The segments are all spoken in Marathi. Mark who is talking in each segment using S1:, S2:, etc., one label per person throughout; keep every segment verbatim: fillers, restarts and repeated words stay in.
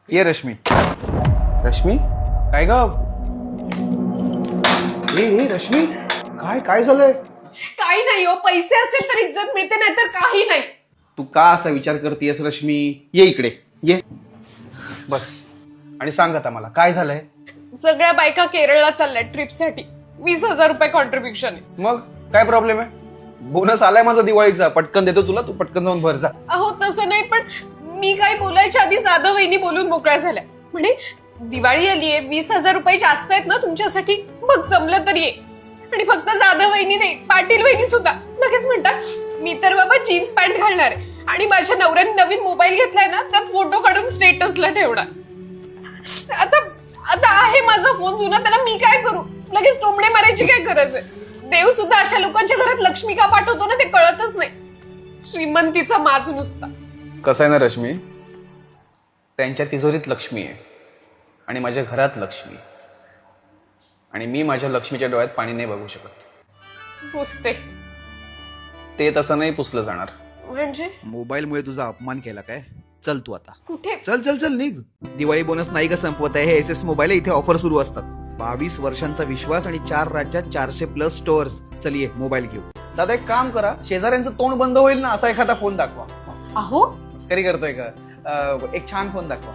S1: ये रश्मी. रश्मी काय ग? ए ए रश्मी काय काय झालंय?
S2: काही नाही हो, पैसे असेल तर इज्जत मिळते, नाही तर काही नाही.
S1: तू का असा विचार करतेस रश्मी? ये इकडे ये बस आणि सांग आता मला काय झालंय.
S2: सगळ्या बायका केरळला चालल्या ट्रिपसाठी. वीस हजार रुपये कॉन्ट्रीब्युशन आहे.
S1: मग काय प्रॉब्लेम आहे? बोनस आलाय माझा दिवाळीचा, पटकन देतो तुला, तू पटकन जाऊन भर जा.
S2: अहो तसं नाही, पण मी काही बोलायच्या आधी जाधव वहिनी बोलून मोकळ्या झाल्या. म्हणे दिवाळी आलीये, वीस हजार रुपये जास्त आहेत ना तुमच्यासाठी, बघ जमलं तर ये. आणि फक्त जाधव वहिनी नाही, पाटील वहिनी सुद्धा लगेच म्हणतात मी तर बाबा जीन्स पॅन्ट घालणार आहे आणि माझ्या नवऱ्याने नवीन मोबाईल घेतलाय ना, त्यात फोटो काढून स्टेटसला ठेवणार. आता आता आहे माझा फोन जुना, त्याला मी काय करू? लगेच टोमडे मारायची काय गरज आहे? देव सुद्धा अशा लोकांच्या घरात लक्ष्मी का पाठवतो ना, ते कळतच नाही. श्रीमंतीचा माज नुसता.
S1: कसं आहे ना रश्मी, त्यांच्या तिजोरीत लक्ष्मी आहे आणि माझ्या घरात लक्ष्मी, आणि मी माझ्या लक्ष्मीच्या डोळ्यात पाणी नाही बघू शकत.
S2: पुसते
S1: ते तसं नाही पुसलं जाणार.
S2: म्हणजे
S3: मोबाईलमुळे तुझा अपमान केला काय? चल तू आता,
S2: कुठे?
S3: चल चल चल निघ. दिवाळी बोनस नाही का संपवत आहे? हे एस एस मोबाईल आहे, इथे ऑफर सुरू असतात. बावीस वर्षांचा विश्वास आणि चार राज्यात चारशे प्लस स्टोअर्स. चल ये मोबाईल घेऊ.
S1: दादा एक काम करा, शेजाऱ्यांचं तोंड बंद होईल ना असा एखादा फोन दाखवा.
S2: अहो
S1: मस्करी करतोय का? अं, एक छान फोन दाखवा.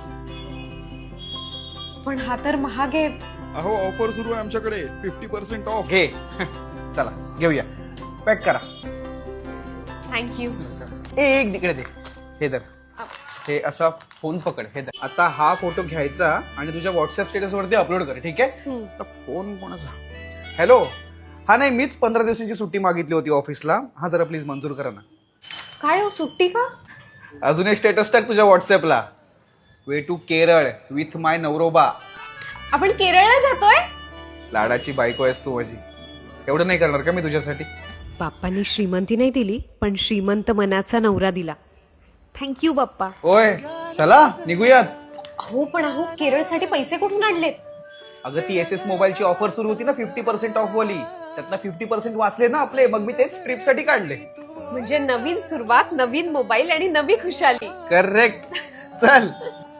S2: पण हा तर महाग आहे.
S3: अहो ऑफर सुरू आहे आमच्याकडे, फिफ्टी पर्सेंट ऑफ.
S1: घे चला घेऊया, पॅक करा.
S2: थँक्यू.
S1: ए एक तिकडे दे, हे धर. हे असा फोन पकड, हे धर. आता हा फोटो घ्यायचा आणि तुझ्या व्हॉट्सअप स्टेटस वरती अपलोड कर, ठीक आहे? तर फोन कोणाचा? हॅलो, हा नाही, मीच पंधरा दिवसांची सुट्टी मागितली होती ऑफिसला. हा जरा प्लीज मंजूर करा ना.
S2: काय हो, सुट्टी का?
S1: अजून एक स्टेटस टाक तुझ्या व्हॉट्सअपला. Way to Kerala with my नवरोबा.
S2: आपण केरळला जातोय?
S1: लाडाची बायको आहेस तू माझी, एवढं नाही करणार का मी तुझ्यासाठी?
S4: बाप्पांनी श्रीमंती नाही दिली, पण श्रीमंत मनाचा नवरा दिला. थँक्यू बाप्पा.
S1: होय चला निघूयात.
S2: हो पण अहो, केरळसाठी पैसे कुठून आणलेत?
S1: अगं ती एस एस मोबाईलची ऑफर सुरू होती ना, फिफ्टी पर्सेंट ऑफ वाली, त्यातनं फिफ्टी पर्सेंट वाचले ना आपले, मग मी तेच ट्रिप साठी काढले.
S2: म्हणजे नवीन सुरुवात, नवीन मोबाईल आणि नवी खुशाली.
S1: करेक्ट. चल